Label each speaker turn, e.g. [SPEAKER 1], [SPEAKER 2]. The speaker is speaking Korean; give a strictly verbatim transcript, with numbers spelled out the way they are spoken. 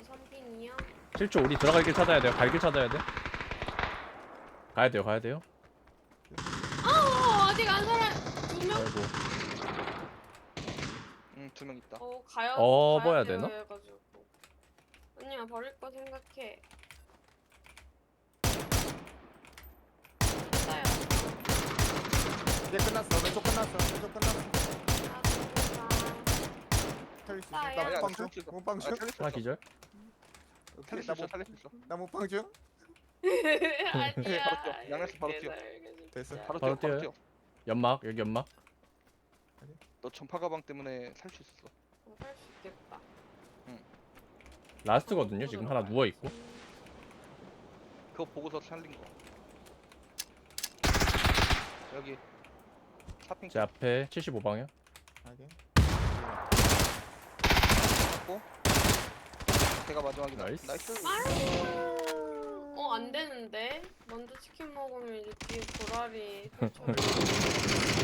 [SPEAKER 1] 삼 핑이야?
[SPEAKER 2] 칠 초 우리 들어갈 길 찾아야 돼요. 갈 길 찾아야 돼. 가야 돼요. 가야 돼요.
[SPEAKER 1] 아 아직 안 살아. 두 명?
[SPEAKER 2] 아이고.
[SPEAKER 3] 응, 두 명 있다.
[SPEAKER 1] 어 가야
[SPEAKER 2] 어,
[SPEAKER 1] 가야
[SPEAKER 2] 뭐야
[SPEAKER 1] 돼요
[SPEAKER 2] 되나?
[SPEAKER 1] 해가지고. 아니야 버릴 거 생각해. 싸요.
[SPEAKER 4] 이제 끝났어. 왼쪽 끝났어. 왼쪽 끝났어.
[SPEAKER 1] 아 진짜.
[SPEAKER 4] 살릴 수 있어.
[SPEAKER 1] 싸요.
[SPEAKER 4] 나
[SPEAKER 3] 아니야,
[SPEAKER 4] 못방 중.
[SPEAKER 3] 살릴 수 있어.
[SPEAKER 4] 못방
[SPEAKER 3] 아,
[SPEAKER 4] 중.
[SPEAKER 3] 살릴 수
[SPEAKER 2] 하나
[SPEAKER 3] 있어.
[SPEAKER 2] 기절.
[SPEAKER 3] 살릴 수
[SPEAKER 4] 나
[SPEAKER 3] 있어.
[SPEAKER 4] 못-
[SPEAKER 3] 살릴 수 있어.
[SPEAKER 4] 나 못방 중.
[SPEAKER 1] 아니야.
[SPEAKER 3] 바로 뛰어. 양에서 바로 뛰어.
[SPEAKER 1] 개살게,
[SPEAKER 4] 됐어.
[SPEAKER 1] 진짜.
[SPEAKER 3] 바로
[SPEAKER 2] 바로
[SPEAKER 3] 뛰어. 바로
[SPEAKER 2] 뛰어요?
[SPEAKER 3] 뛰어.
[SPEAKER 2] 연막 여기 연막.
[SPEAKER 3] 너 전파 가방 때문에 살 수 있었어.
[SPEAKER 1] 어, 살수 있겠다.
[SPEAKER 2] 라스트거든요. 지금 하나 누워 있고.
[SPEAKER 3] 그거 보고서 살린 거. 여기 사핑
[SPEAKER 2] 제 앞에 칠십오 방향.
[SPEAKER 4] 하긴.
[SPEAKER 3] 잡고. 걔가 마지막이다.
[SPEAKER 2] 나이스.
[SPEAKER 3] 나이스.
[SPEAKER 1] 아유. 어, 안 되는데? 먼저 치킨 먹으면 이제 뒤에 고라리 펼쳐버리고.